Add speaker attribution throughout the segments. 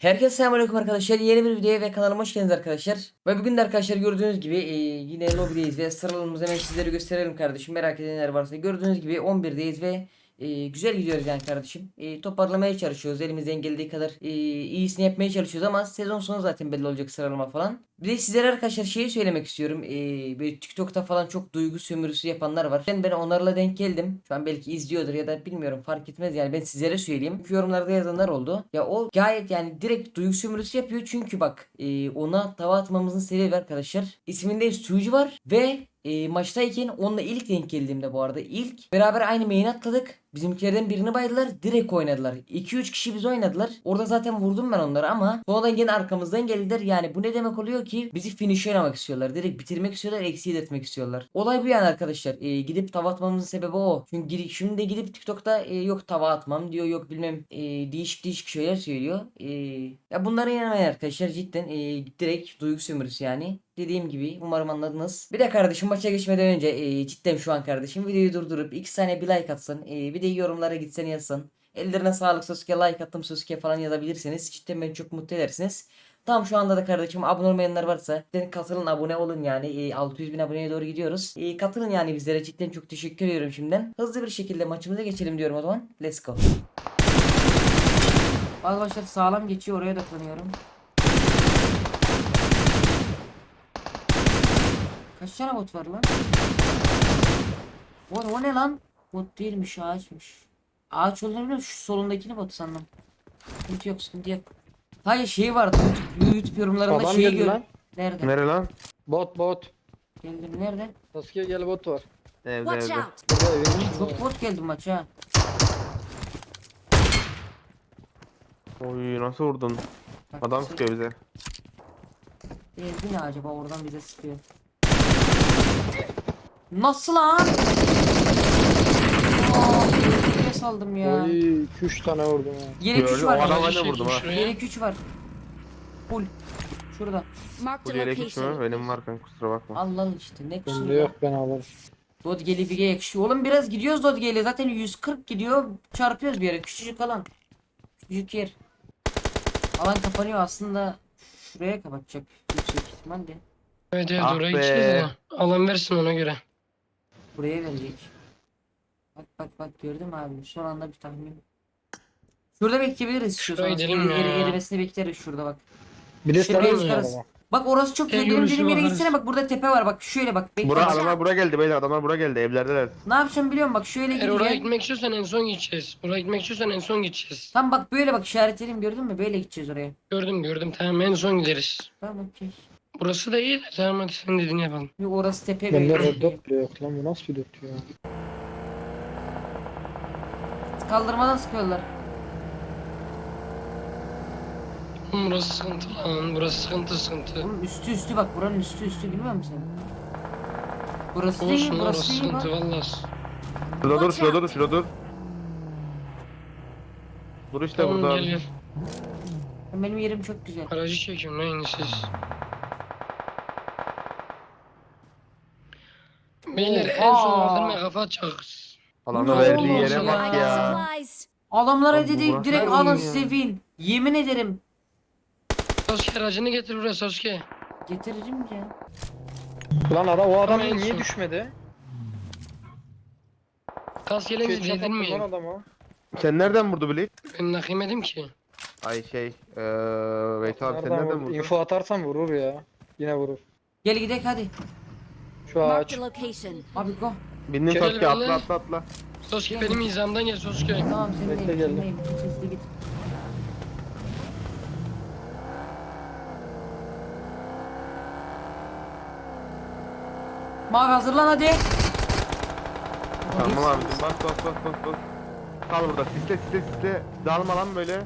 Speaker 1: Herkese selamünaleyküm arkadaşlar. Yeni bir videoya ve kanalıma hoş geldiniz arkadaşlar. Ve bugün de arkadaşlar gördüğünüz gibi yine lobideyiz ve sıralamamızı hemen sizlere gösterelim kardeşim. Merak edenler varsa gördüğünüz gibi 11'deyiz ve güzel gidiyoruz yani kardeşim. Toparlamaya çalışıyoruz. Elimizden geldiği kadar iyisini yapmaya çalışıyoruz ama sezon sonu zaten belli olacak sıralama falan. Bir de sizlere arkadaşlar şeyi söylemek istiyorum. Böyle TikTok'ta falan çok duygu sömürüsü yapanlar var. Ben onlarla denk geldim. Şu an belki izliyordur ya da bilmiyorum, fark etmez yani, ben sizlere söyleyeyim. Çünkü yorumlarda yazanlar oldu. Ya o gayet yani direkt duygu sömürüsü yapıyor. Çünkü bak, ona tava atmamızın sebebi arkadaşlar, İsminde Suyu var ve maçtayken onunla ilk denk geldiğimde, bu arada ilk beraber aynı main atladık. Bizimkilerden birini baydılar, direkt oynadılar. 2-3 kişi biz oynadılar. Orada zaten vurdum ben onları ama sonradan yine arkamızdan geldiler. Yani bu ne demek oluyor ki? Bizi finish oynamak istiyorlar. Direkt bitirmek istiyorlar, exceed etmek istiyorlar. Olay bu yani arkadaşlar. Gidip tava atmamızın sebebi o. Çünkü şimdi de gidip TikTok'ta yok tava atmam diyor, yok bilmem değişik değişik şeyler söylüyor. Ya bunlara inanmayın arkadaşlar, cidden direkt duygu sömürüsü yani. Dediğim gibi umarım anladınız. Bir de kardeşim, maça geçmeden önce cidden şu an kardeşim videoyu durdurup 2 saniye bir like atsın. Bir de yorumlara gitsen yazsın. Ellerine sağlık Sasuke, like attım Sasuke falan yazabilirsiniz. Cidden beni çok mutlu edersiniz. Tam şu anda da kardeşim abone olmayanlar varsa cidden katılın, abone olun yani. 600 bin aboneye doğru gidiyoruz. Katılın yani bizlere, cidden çok teşekkür ediyorum şimdiden. Hızlı bir şekilde maçımıza geçelim diyorum o zaman. Let's go. Arkadaşlar sağlam geçiyor, oraya odaklanıyorum. Kaç tane bot var lan? O ne lan? Bot değilmiş, ağaçmış. Ağaç olduğunu biliyorum, şu solundakini bot sandım. Sıkıntı yok, sıkıntı yok. Hayır, şey vardı YouTube yorumlarında
Speaker 2: Adam
Speaker 1: şeyi
Speaker 2: geldi
Speaker 1: gör.
Speaker 2: lan.
Speaker 1: Nerede?
Speaker 3: Nere lan?
Speaker 2: Bot.
Speaker 1: Geldim, nerede?
Speaker 2: Sasuke gel bot var.
Speaker 3: Evde
Speaker 4: Watch
Speaker 3: evde.
Speaker 4: out!
Speaker 2: Burada evin içinde.
Speaker 1: Çok bot geldi maça.
Speaker 3: Oy nasıl vurdun?
Speaker 1: Bak,
Speaker 3: Adam sıkıyor bize.
Speaker 1: Ezdi ne acaba, oradan bize sıkıyor. Nasıl lan? Ne saldım ya.
Speaker 2: Oy 2-3 tane vurdum ha.
Speaker 1: Yelek 3
Speaker 3: Gördüm, o
Speaker 1: var.
Speaker 3: adama ne vurdum ha.
Speaker 1: Yelek 3 var. Full. Şurada.
Speaker 4: Marked
Speaker 3: Bu
Speaker 4: a
Speaker 3: yelek hiç mi?
Speaker 4: location.
Speaker 3: Benim var kanka, kusura bakma.
Speaker 1: Al lan işte, ne kusuru
Speaker 2: Bende
Speaker 1: ya.
Speaker 2: yok, ben alırım.
Speaker 1: Dodge'li bir yakışıyor. Oğlum biraz gidiyoruz Dodge'li. Zaten 140 gidiyor. Çarpıyoruz bir yere. Küçücük alan. Küçücük yer. Alan kapanıyor aslında. Şuraya kapatacak. Yüksek ihtimalle.
Speaker 5: Evet
Speaker 3: Ah
Speaker 5: oraya
Speaker 3: be.
Speaker 5: gideceğiz ama alan versin ona göre.
Speaker 1: Buraya verecek. Bak gördün mü abi? Son anda bir tahmin. Şurada bekleyebiliriz.
Speaker 5: Şuraya
Speaker 1: Şurada
Speaker 5: gidelim ya.
Speaker 1: erimesini bekleriz şurada bak.
Speaker 2: Bir de
Speaker 1: Şuraya
Speaker 2: sarı
Speaker 1: çıkarız.
Speaker 2: araba.
Speaker 1: Bak orası çok güzel. Benim
Speaker 5: görüşü
Speaker 1: dediğim yere
Speaker 5: bakarız.
Speaker 1: gitsene, bak burada tepe var, bak şöyle bak. Bekle.
Speaker 3: Bura adamlar bura geldi beyler, adamlar bura geldi, evlerdeler.
Speaker 1: Ne yapacağım biliyor musun? Bak şöyle
Speaker 5: Eğer oraya
Speaker 1: gideceğim.
Speaker 5: gitmek istiyorsan en son gideceğiz. Oraya gitmek istiyorsan en son gideceğiz.
Speaker 1: Tam bak böyle bak, işaretledim, gördün mü? Böyle gideceğiz oraya.
Speaker 5: Gördüm tamam en son gideriz.
Speaker 1: Tamam okey.
Speaker 5: Burası da iyi de tamam hadi sen dediğini yapalım.
Speaker 1: Yok, orası tepe
Speaker 2: Bende
Speaker 1: böyle.
Speaker 2: red dot bile yok lan, bu nasıl bir dot ya.
Speaker 1: Kaldırmadan sıkıyorlar.
Speaker 5: Oğlum burası sıkıntı lan. Burası sıkıntı.
Speaker 1: Oğlum üstü bak, buranın üstü bilmiyor musun sen? Burası değil,
Speaker 5: Olsun
Speaker 1: burası
Speaker 5: orası
Speaker 1: değil bak.
Speaker 5: sıkıntı valla.
Speaker 3: Şurada dur. Dur işte
Speaker 5: Tamam
Speaker 3: burada.
Speaker 5: gel.
Speaker 1: Benim yerim çok güzel.
Speaker 5: Aracı çekiyorum lan yine siz. Beyler en son
Speaker 1: Oha.
Speaker 5: aldırmaya kafa atacağız.
Speaker 3: Alanı
Speaker 1: Ne
Speaker 3: verdiği
Speaker 1: olmuş
Speaker 3: yere
Speaker 1: ya?
Speaker 3: bak
Speaker 4: I got
Speaker 3: ya.
Speaker 4: supplies.
Speaker 1: Adamlara
Speaker 3: Oğlum bu
Speaker 1: dedi
Speaker 3: burası
Speaker 1: direkt
Speaker 3: nerede
Speaker 1: alın
Speaker 3: ya?
Speaker 1: size win. Yemin ederim.
Speaker 5: Sasuke aracını getir buraya Sasuke.
Speaker 1: Getiririm ya.
Speaker 2: Lan o adam
Speaker 5: Tamam,
Speaker 2: niye
Speaker 5: son.
Speaker 2: düşmedi?
Speaker 5: Kas gelince
Speaker 2: Ketçap attım lan
Speaker 5: dedirmeyin.
Speaker 2: adama.
Speaker 3: Sen nereden vurdu Blade?
Speaker 5: Ben nakim yedim ki.
Speaker 3: Ay Veysel abi sen
Speaker 2: Nereden
Speaker 3: nereden
Speaker 2: vurdu?
Speaker 3: vurdun?
Speaker 2: Info atarsan vurur ya. Yine vurur.
Speaker 1: Gel gidelim hadi.
Speaker 2: Şu ağaç.
Speaker 4: Marked a location.
Speaker 1: Abi go.
Speaker 3: Bindin
Speaker 5: Kerel
Speaker 3: Sasuke,
Speaker 5: benle.
Speaker 3: atla.
Speaker 5: Sasuke benim hizamdan gel Sasuke.
Speaker 1: Tamam
Speaker 2: Bekle,
Speaker 1: sendeyim.
Speaker 2: geldim.
Speaker 1: Sendeyim. Hızlı git. Mavi hazırlan hadi.
Speaker 3: Tamam abicim, bas. Kal burada, sisle. Dağılma lan böyle.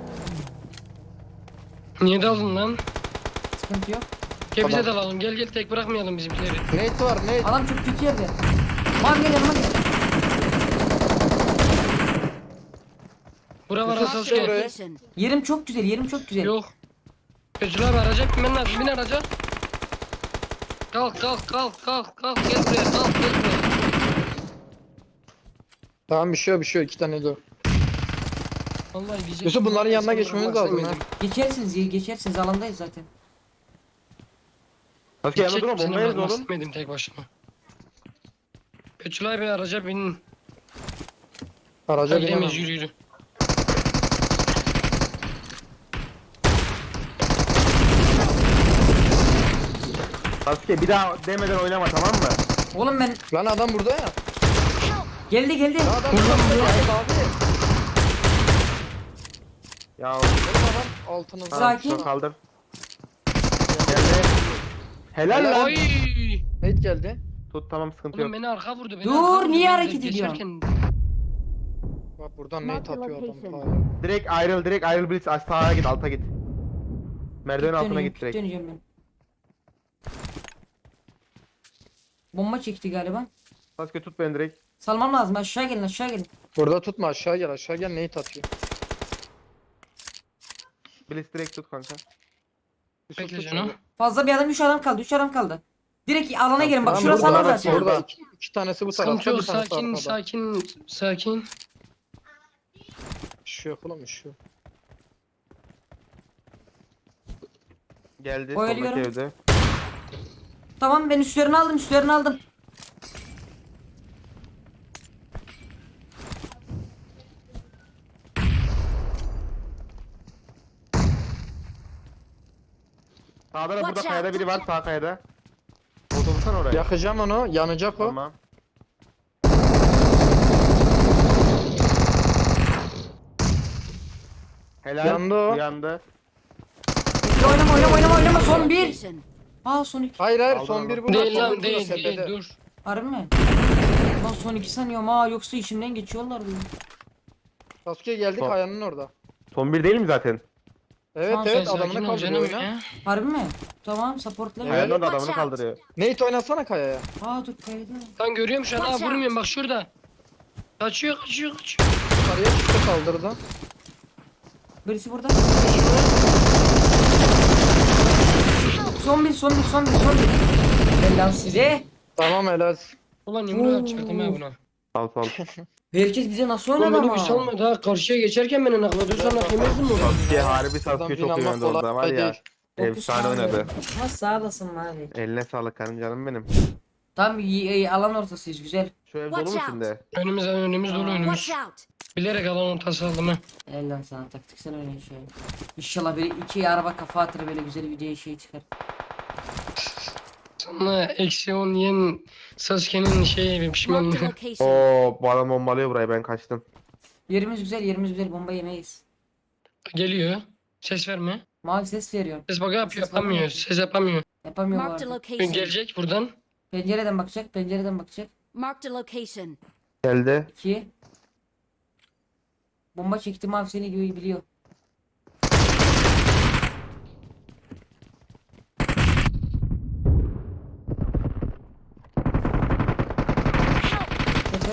Speaker 5: Niye daldın lan?
Speaker 1: Sıkıntı yok.
Speaker 5: Gel bize
Speaker 3: Tamam.
Speaker 5: dalalım. Gel tek bırakmayalım bizimkileri.
Speaker 2: Nate var Nate.
Speaker 1: Adam çok kötü yerde. Mavi gel yanıma gel.
Speaker 5: Bura var
Speaker 2: Yusuf,
Speaker 5: Sasuke.
Speaker 2: buraya.
Speaker 4: Location.
Speaker 1: Yerim çok güzel.
Speaker 5: Yok. Özür abi araca binmen lazım. Bin araca. Kalk. Gel buraya. Gel buraya.
Speaker 2: Tamam bir şey yok 2 tane de o.
Speaker 5: Vallahi diyecek.
Speaker 2: Yusuf, bunların yanına geçmemiz lazım ha.
Speaker 1: Geçersiniz alandayız zaten.
Speaker 3: Sasuke yanında durma, bomba yeriz oğlum.
Speaker 5: Gitmedim tek başıma. Betülay Bey araca binin.
Speaker 2: Araca binemem.
Speaker 5: Gidemeyiz, yürü yürü.
Speaker 3: Sasuke bir daha demeden oynama, tamam mı?
Speaker 1: Oğlum ben
Speaker 2: Lan adam burada ya.
Speaker 1: geldi.
Speaker 2: Lan adam burada ya abi.
Speaker 3: Ya
Speaker 2: Benim adam altınızda.
Speaker 1: Sakin.
Speaker 3: şunu kaldır. Geldi. Helal lan.
Speaker 5: Oy!
Speaker 2: Nate geldi.
Speaker 3: Tut, tamam, sıkıntı
Speaker 5: Oğlum
Speaker 3: yok.
Speaker 5: beni arka vurdu. Beni
Speaker 1: Dur,
Speaker 5: arka vurdu.
Speaker 1: niye
Speaker 5: Ben de
Speaker 1: hareket ediyorsun?
Speaker 5: geçerken-
Speaker 2: Bak buradan Nate atıyor adam.
Speaker 4: Location.
Speaker 2: Hayır.
Speaker 3: Direkt ayrıl Blitz, sağa git, alta git. Merdiven altına git direkt.
Speaker 1: Döneceğim ben. Bomba çekti galiba.
Speaker 3: Sasuke tut beni direkt.
Speaker 1: Salmam lazım, aşağı gelin.
Speaker 2: Burada tutma, aşağı gel Nate atıyor.
Speaker 3: Blitz direkt tut kanka.
Speaker 2: Yusuf
Speaker 5: Bekle
Speaker 2: tut
Speaker 5: canım.
Speaker 2: şöyle.
Speaker 1: Fazla bir adam, 3 adam kaldı. Direkt alana girin, bak
Speaker 2: Tamam,
Speaker 1: şurası
Speaker 2: burada,
Speaker 1: alan
Speaker 2: bak,
Speaker 1: zaten.
Speaker 2: Burada iki tanesi bu tarafta,
Speaker 5: Sıkıntı yok,
Speaker 2: bir tanesi
Speaker 5: sakin
Speaker 2: arkada.
Speaker 5: sakin.
Speaker 2: Şu yok oğlum, şu.
Speaker 3: Geldi
Speaker 1: Oyalıyorum.
Speaker 3: soldaki evde.
Speaker 1: Tamam, ben üstlerini aldım.
Speaker 3: Sağda da burada
Speaker 4: Watch
Speaker 3: kayada
Speaker 4: out.
Speaker 3: biri var, sağ kayada. Otobüsten oraya.
Speaker 2: Yakacağım onu, yanacak o.
Speaker 3: Tamam. Helal.
Speaker 2: Yandı o.
Speaker 3: Yandı.
Speaker 1: Oynama, son bir.
Speaker 4: Location.
Speaker 1: Son 2.
Speaker 2: Hayır,
Speaker 3: Aldım,
Speaker 2: son
Speaker 3: aldım.
Speaker 2: bir burada.
Speaker 5: Değil
Speaker 2: son
Speaker 5: lan,
Speaker 2: bir burada,
Speaker 5: değil
Speaker 2: tepede.
Speaker 5: dur.
Speaker 1: Harbi mi? Lan son 2 sanıyorum yoksa içimden geçiyorlar diyor.
Speaker 2: Sasuke geldik,
Speaker 3: Son-
Speaker 2: Kayanın orada.
Speaker 3: Son bir değil mi zaten?
Speaker 2: Evet
Speaker 1: Tamam,
Speaker 2: evet,
Speaker 5: Sakin
Speaker 2: adamını
Speaker 5: ol
Speaker 2: kaldırıyor
Speaker 5: canım
Speaker 2: oyna.
Speaker 5: ya.
Speaker 1: Harbi mi? Tamam, supportla.
Speaker 2: Evet.
Speaker 3: Ayağının orada
Speaker 4: Watch
Speaker 3: adamını
Speaker 4: out.
Speaker 3: kaldırıyor.
Speaker 2: Nate oynasana Kaya'ya.
Speaker 1: Dur kaydı.
Speaker 5: Lan görüyorum şu an,
Speaker 4: Watch out.
Speaker 5: vurmuyorum bak şurada. Kaçıyor.
Speaker 2: Yukarıya çıktı, kaldırdı.
Speaker 1: Birisi burada. Son bir. Ben size.
Speaker 2: Tamam, helal.
Speaker 5: Ulan yumruğu atacaktım ha buna.
Speaker 3: Sal.
Speaker 1: Herkes bize nasıl
Speaker 5: Oğlum
Speaker 1: oynadı
Speaker 5: beni bir
Speaker 1: ama.
Speaker 5: salmadı ha, karşıya geçerken beni nakladı, nak yemezdim mi?
Speaker 3: Sasuke harbi Sasuke
Speaker 2: Adam
Speaker 3: çok iyi
Speaker 2: inanmak
Speaker 3: oynadı orada var
Speaker 2: kolay
Speaker 3: ya.
Speaker 2: değil.
Speaker 3: Efsane oynadı.
Speaker 1: Ha, sağ olasın abi.
Speaker 3: Eline sağlık canım benim.
Speaker 1: Tam iyi, alan ortasıyız, güzel.
Speaker 3: Şu ev dolu mu
Speaker 4: Watch out.
Speaker 3: şimdi?
Speaker 5: Önümüz dolu önümüz.
Speaker 4: Watch out.
Speaker 5: Bilerek alan ortası aldım ha.
Speaker 1: Elden sana taktik, sen oynayın şöyle. İnşallah böyle 2 araba kafa atır, böyle güzel bir video çıkar.
Speaker 5: Sana -10 yiyen Sasuke'nin şeyi
Speaker 4: Marked a
Speaker 5: pişmanlığı.
Speaker 4: location.
Speaker 3: Oo, bu adam bombalıyor burayı, ben kaçtım.
Speaker 1: Yerimiz güzel, bomba yemeyiz.
Speaker 5: Geliyor. Ses verme.
Speaker 1: Mavi ses veriyor.
Speaker 5: Ses bak yapıyor,
Speaker 1: Ses verme.
Speaker 5: yapamıyor. Ses yapamıyor.
Speaker 1: Yapamıyor bu
Speaker 4: Marked a
Speaker 1: arada.
Speaker 4: location.
Speaker 5: Gelecek buradan.
Speaker 1: Pencereden bakacak.
Speaker 4: Marked a location.
Speaker 3: Geldi.
Speaker 1: 2. Bomba çekti, mavi seni gibi biliyor. Tepe.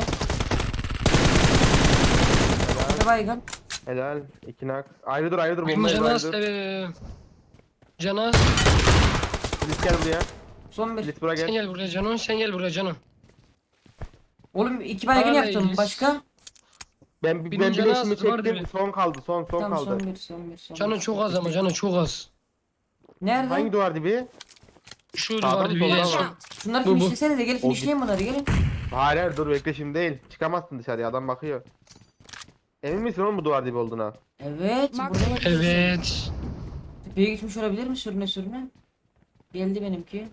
Speaker 1: Tepe baygın.
Speaker 3: Helal. İki nak. Ayrı dur bombayı
Speaker 5: Canaz.
Speaker 3: ayrı dur.
Speaker 5: Canaz.
Speaker 3: Blitz gel buraya.
Speaker 1: Son bir.
Speaker 3: Blitz buraya
Speaker 5: Sen
Speaker 3: gel.
Speaker 5: gel buraya Cano. Sen gel buraya Cano.
Speaker 1: Oğlum 2 baygın
Speaker 5: Hala
Speaker 1: yaptım.
Speaker 5: iyiyiz.
Speaker 1: Başka?
Speaker 3: Ben
Speaker 5: Birinci
Speaker 3: bileşimi
Speaker 5: nas var
Speaker 3: çektim.
Speaker 5: dibi.
Speaker 3: Son kaldı. Son
Speaker 1: Tamam,
Speaker 3: kaldı.
Speaker 1: son bir.
Speaker 5: Cano çok az ama Cano çok az.
Speaker 1: Nerede?
Speaker 3: Hangi duvar dibi?
Speaker 5: Şu
Speaker 3: Sağda
Speaker 5: duvar
Speaker 3: mı,
Speaker 5: bir
Speaker 3: solda
Speaker 5: en
Speaker 3: mı?
Speaker 5: son.
Speaker 1: Şunları
Speaker 5: Bu.
Speaker 1: finişlesene de, gelin
Speaker 3: O
Speaker 1: finişleyin bunları, gelin.
Speaker 3: Hayır dur bekle, şimdi değil. Çıkamazsın dışarıya, adam bakıyor. Emin misin oğlum bu duvar dibi olduğuna?
Speaker 1: Evet.
Speaker 4: Mark
Speaker 1: Burada
Speaker 4: the
Speaker 1: bak.
Speaker 5: Evet.
Speaker 1: Tepeye gitmiş olabilir mi sürüne? Geldi benimki.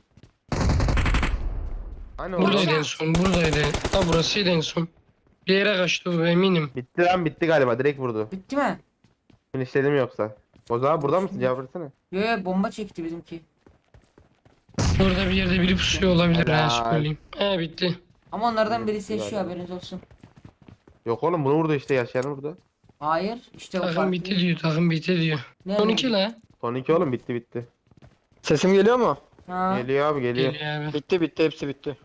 Speaker 3: Hani
Speaker 5: Buradaydı
Speaker 3: orada?
Speaker 5: en son. Buradaydı. Ha burasıydı en son. Bir yere kaçtı o, eminim.
Speaker 3: Bitti galiba, direkt vurdu.
Speaker 1: Bitti mi?
Speaker 3: Finishledim yoksa. O zaman burada mısın, cevap versene.
Speaker 1: Yo, bomba çekti bizimki.
Speaker 5: Orada bir yerde biri pusuyor olabilir ha,
Speaker 3: Helal.
Speaker 5: söyleyeyim. He bitti.
Speaker 1: Ama onlardan
Speaker 3: Evet,
Speaker 1: birisi yaşıyor,
Speaker 3: güzel.
Speaker 1: haberiniz olsun.
Speaker 3: Yok oğlum, bunu vurdu işte, yaşayan vurdu.
Speaker 1: Hayır, işte o
Speaker 5: Takım
Speaker 1: farklı.
Speaker 5: bitti diyor, takım bitti diyor.
Speaker 1: Nerede?
Speaker 5: 12 la.
Speaker 3: Son iki oğlum, bitti.
Speaker 2: Sesim geliyor mu?
Speaker 1: Ha.
Speaker 3: Geliyor abi, geliyor.
Speaker 5: Geliyor abi.
Speaker 2: Bitti, hepsi bitti.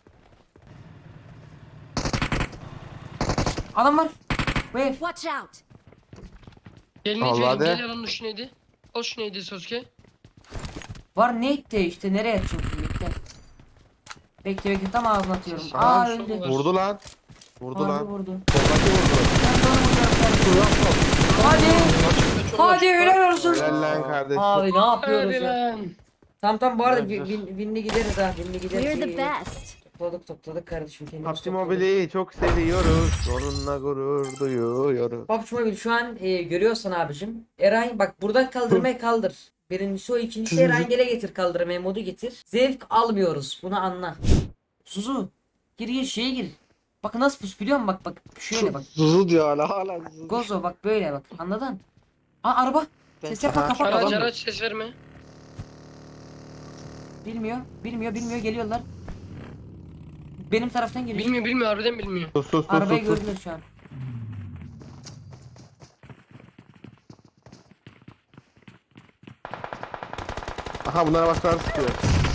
Speaker 1: Adam var. Bu ev.
Speaker 4: Watch out.
Speaker 5: Gel
Speaker 3: Allah
Speaker 5: neydi?
Speaker 3: de.
Speaker 5: Gel alanın şu neydi? Al şu neydi Sasuke?
Speaker 1: Var ne etti işte, nereye atacağım şimdi, bekle. Bekle, tam ağzına atıyorum.
Speaker 5: Aa,
Speaker 1: Aa,
Speaker 5: şu
Speaker 1: öldü.
Speaker 5: var.
Speaker 3: Vurdu lan. Vurdu
Speaker 1: Harbi
Speaker 3: lan.
Speaker 1: vurdu.
Speaker 3: Soldaki vurdu.
Speaker 1: Ben de onu vuracağım. Hadi.
Speaker 2: Çok
Speaker 1: Hadi
Speaker 2: açık.
Speaker 1: helal olsun.
Speaker 3: Helal lan kardeşim.
Speaker 1: Abi ne yapıyoruz
Speaker 5: Hadi
Speaker 1: ya?
Speaker 5: lan.
Speaker 1: Tamam bu arada
Speaker 2: Güzel, güzel.
Speaker 1: winli gideriz ha. Winli
Speaker 4: We're the
Speaker 1: gideriz.
Speaker 4: best.
Speaker 1: Topladık kardeşim kendimiz
Speaker 3: PUBG
Speaker 1: topladık.
Speaker 3: Mobile'i çok seviyoruz. Onunla gurur duyuyoruz.
Speaker 1: PUBG Mobile şu an görüyorsan abicim. Eray bak buradan kaldırmayı kaldır. Birincisi o, ikincisi Erangel'e getir kaldırmayı, modu getir. Zevk almıyoruz, bunu anla. Suzu gir şeye gir. Bak nasıl pus biliyor musun, bak şöyle bak.
Speaker 2: Zuzu diyor hala zuzu.
Speaker 1: Gozo bak böyle bak, anladın? Aa araba. Ses yapma,
Speaker 3: Aha.
Speaker 1: kapat
Speaker 5: Araç
Speaker 1: kapat.
Speaker 5: araç ses verme.
Speaker 1: Bilmiyor geliyorlar. Benim taraftan geliyor.
Speaker 5: Bilmiyor harbiden bilmiyor.
Speaker 3: Sus.
Speaker 1: Arabayı gördüler şu an.
Speaker 3: Aha bunlara başkaları sıkıyor.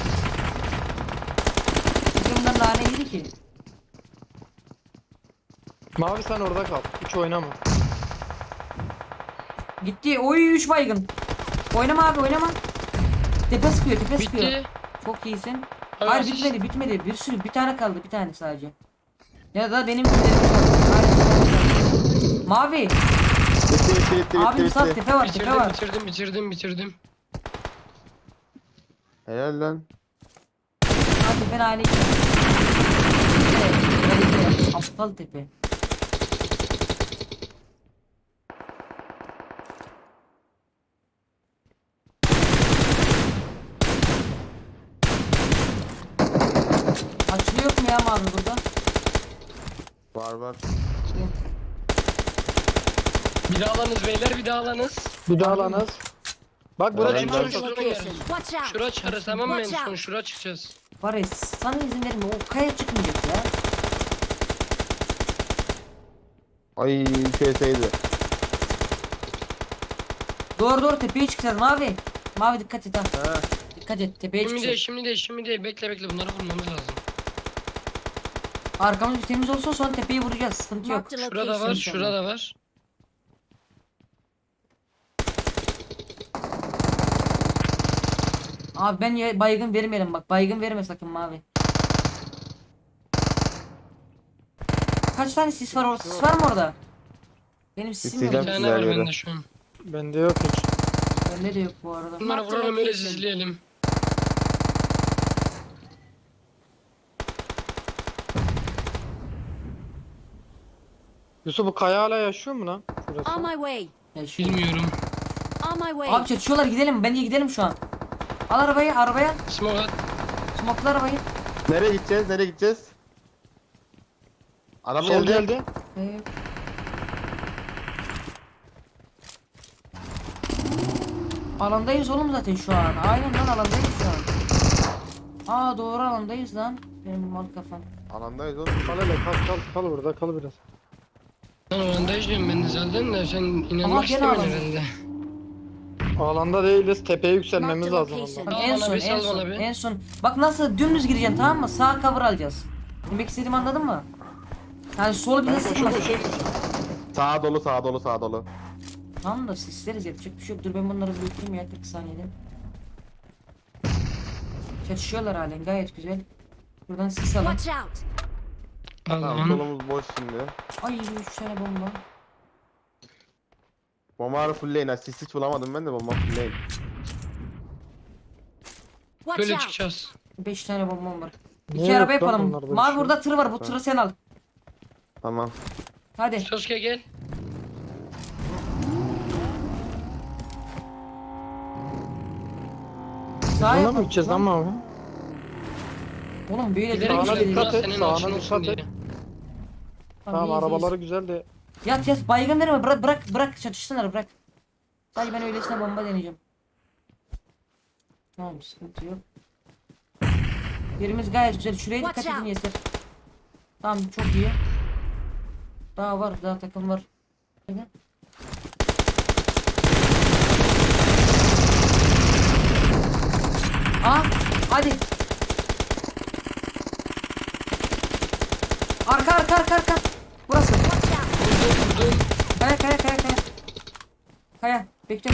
Speaker 1: Bunlar nane yedi ki.
Speaker 2: Mavi sen orada kal. Hiç oynama.
Speaker 1: Gitti. Oy 3 baygın. Oynama abi oynama. Tepe sıkıyor.
Speaker 5: Bitti.
Speaker 1: Çok iyisin.
Speaker 5: Evet.
Speaker 1: Hayır bitmedi. Bir sürü, bir tane kaldı, bir tane sadece. Ya da benim Mavi.
Speaker 3: Bitti.
Speaker 1: Abi sağ tepe var.
Speaker 5: Bitirdim.
Speaker 3: Helal lan.
Speaker 1: Abi tepe aynı. Aptal tepe. Açılıyor mu ya Mavi burada?
Speaker 3: Var.
Speaker 5: Bir daha alanız beyler, bir daha alanız.
Speaker 2: Bir daha lanız. Bak buraya
Speaker 3: Evet,
Speaker 2: çıkmış.
Speaker 3: evet.
Speaker 4: Location. Watch out.
Speaker 5: Şura çıkarız tamam mı, en
Speaker 4: Watch
Speaker 5: son
Speaker 4: out.
Speaker 5: şura çıkacağız.
Speaker 1: Var ya sana izin verme, o kaya çıkmayacak ya.
Speaker 3: Ay şeyseydi.
Speaker 1: Doğru tepeye çıkacağız Mavi. Mavi dikkat et ha.
Speaker 3: Ha.
Speaker 1: Dikkat et, tepeye çıkacağız.
Speaker 5: Şimdi değil. Bekle bunları vurmamız lazım.
Speaker 1: Arkamız bir temiz olsun, sonra tepeyi vuracağız. Sıkıntı yok.
Speaker 4: Marked a
Speaker 5: Şurada var,
Speaker 4: location.
Speaker 5: şurada var.
Speaker 1: Abi baygın vermeyelim bak. Baygın verme sakın Mavi. Kaç tane sis var orada? Sis var mı orada? Benim sisim yok.
Speaker 5: Bir
Speaker 3: Çok
Speaker 5: tane
Speaker 3: güzel
Speaker 5: var
Speaker 3: yere.
Speaker 5: bende şu an.
Speaker 2: Bende yok hiç.
Speaker 1: Bende de yok bu arada.
Speaker 5: Bunları vuralım öyle izleyelim.
Speaker 2: Yusuf bu kaya hala yaşıyor mu lan? Şurası.
Speaker 4: On my way.
Speaker 1: Ya şu...
Speaker 5: Bilmiyorum.
Speaker 4: On my way.
Speaker 1: Abi çatışıyorlar, gidelim. Bence gidelim şu an. Al arabaya.
Speaker 5: Smoke at.
Speaker 1: Smokla arabayı.
Speaker 3: Nereye gideceğiz? Araba
Speaker 2: Sol
Speaker 3: geldi.
Speaker 2: geldi.
Speaker 1: Ee... Alandayız oğlum zaten şu an. Aynen lan alandayız şu an. Aa doğru alandayız lan. Benim mal kafam.
Speaker 3: Alandayız oğlum.
Speaker 2: Kal hele kal burada kal biraz.
Speaker 5: Lan oranda izliyorum ben de zaten de sen
Speaker 1: Ama
Speaker 5: inanmak
Speaker 1: gene
Speaker 5: istemiyorsun
Speaker 1: alalım.
Speaker 5: herhalde.
Speaker 2: Alanda değiliz. Tepeye yükselmemiz
Speaker 4: Marked
Speaker 2: lazım
Speaker 4: location.
Speaker 2: ondan.
Speaker 1: Bak,
Speaker 5: Al
Speaker 1: en
Speaker 5: bana
Speaker 1: son
Speaker 5: bir, sal
Speaker 1: en son
Speaker 5: bana bir.
Speaker 1: en son. Bak nasıl dümdüz gireceksin, tamam mı? Sağ cover alacağız. Demek istediğimi anladın mı? Yani solu bize sıkmasın.
Speaker 3: Sağa dolu.
Speaker 1: Tamam da sisleriz, yapacak bir şey yok. Dur ben bunları büyüteyim ya 40 saniyede. Çatışıyorlar halen, gayet güzel. Buradan sis alın.
Speaker 4: Watch out.
Speaker 3: Tamam
Speaker 5: Allah'ım.
Speaker 3: solumuz boş şimdi.
Speaker 1: Ay 3 tane bomba.
Speaker 3: Bombarı fullleyin. Asist hiç bulamadım ben de bomba fullleyin.
Speaker 4: Watch
Speaker 5: Böyle
Speaker 4: out.
Speaker 5: çıkacağız.
Speaker 1: 5 tane bombam var.
Speaker 2: Niye
Speaker 1: 2
Speaker 2: yok
Speaker 1: araba
Speaker 2: lan
Speaker 1: yapalım.
Speaker 2: bunlarda bir
Speaker 1: Mavi
Speaker 2: şey?
Speaker 1: burada tır var, bu tırı sen al.
Speaker 3: Tamam.
Speaker 1: Hadi.
Speaker 5: Sasuke gel.
Speaker 1: Sağa
Speaker 2: Buna
Speaker 1: yapalım.
Speaker 2: mı gideceğiz lan Mavi?
Speaker 1: Oğlum böyle
Speaker 5: Gidelim
Speaker 1: bir
Speaker 2: Sağına
Speaker 1: şey
Speaker 5: gidelim.
Speaker 1: değil.
Speaker 2: dikkat
Speaker 5: Burası
Speaker 2: et,
Speaker 5: senin
Speaker 2: sağına
Speaker 5: açın
Speaker 2: dikkat
Speaker 5: olsun
Speaker 2: et.
Speaker 5: diye.
Speaker 2: Tamam
Speaker 1: iyiyiz,
Speaker 2: arabaları güzel de.
Speaker 1: Yat baygın verme, bırak çatışsınlar, bırak. Sadece ben öylesine bomba deneyeceğim. Tamam sıkıntı yok. Yerimiz gayet güzel. Şuraya dikkat
Speaker 4: Watch
Speaker 1: edin
Speaker 4: out.
Speaker 1: yeter. Tamam çok iyi. Daha takım var. Hadi. Hadi. Arka. Burası.
Speaker 4: Watch out.
Speaker 5: Vurdum.
Speaker 1: Kaya. Bekle.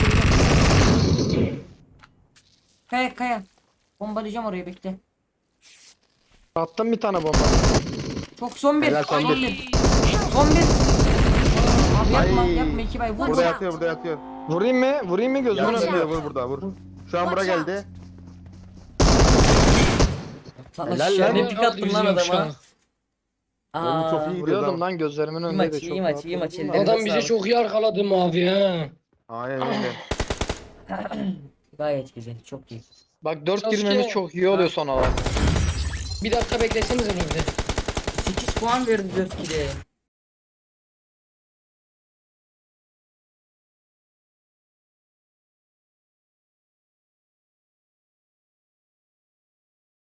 Speaker 1: Kaya. Bombalayacağım orayı, bekle.
Speaker 2: Attım bir tane bomba.
Speaker 1: Çok son bir.
Speaker 3: Helal, son
Speaker 1: Son
Speaker 3: bir.
Speaker 1: bir. Son bir. Abi yapma
Speaker 3: Ay.
Speaker 1: yapma 2 bay vur.
Speaker 3: Burada
Speaker 4: Watch
Speaker 3: yatıyor, burada yatıyor.
Speaker 2: Vurayım mı? Vurayım mı gözümün
Speaker 3: Yanına
Speaker 2: önünde?
Speaker 3: vur burada vur. Şu an bura
Speaker 4: Watch out.
Speaker 3: geldi.
Speaker 1: Sana
Speaker 3: Helal
Speaker 1: şöyle
Speaker 3: lan.
Speaker 1: pik attım lan adama.
Speaker 3: Oğlum çok iyi gidiyor
Speaker 2: Vuruyordum
Speaker 3: lan.
Speaker 2: lan gözlerimin
Speaker 1: İyi
Speaker 2: önünde
Speaker 1: maç,
Speaker 2: de
Speaker 1: iyi
Speaker 2: çok
Speaker 1: maç,
Speaker 2: rahat
Speaker 1: iyi maç,
Speaker 2: vurdum da.
Speaker 1: ellerine
Speaker 5: Adam bize
Speaker 1: sağlık.
Speaker 5: çok iyi arkaladı mavi ha.
Speaker 3: Aynen öyle.
Speaker 1: Gayet güzel, çok iyi.
Speaker 2: Bak 4
Speaker 5: Sasuke.
Speaker 2: girmemiz çok iyi oluyor son olarak.
Speaker 5: Bir dakika beklesenize bir de.
Speaker 1: 8 puan verdi 4 kile.